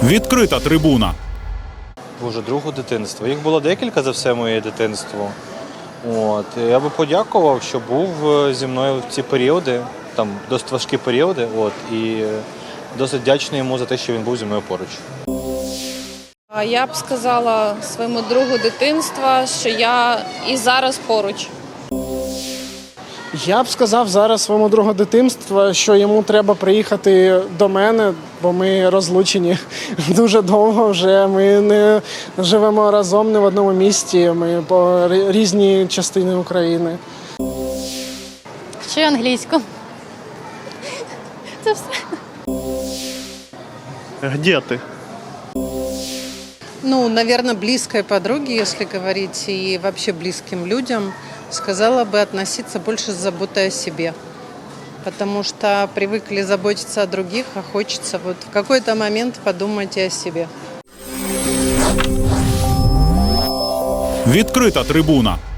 Відкрита трибуна. Боже, другу дитинства. Їх було декілька за все моє дитинство. Я би подякував, що був зі мною в ці періоди, там досить важкі періоди. І досить вдячний йому за те, що він був зі мною поруч. Я б сказала своєму другу дитинства, що я і зараз поруч. Я б сказав зараз своєму другу дитинства, що йому треба приїхати до мене, бо ми розлучені дуже довго вже. Ми не живемо разом не в одному місті, ми по різні частини України. Ще англійську. Це все. Де ти? Наверное, близкой подруге, если говорить, и вообще близким людям, сказала бы относиться больше с заботой о себе. Потому что привыкли заботиться о других, а хочется в какой-то момент подумать и о себе. Відкрита трибуна.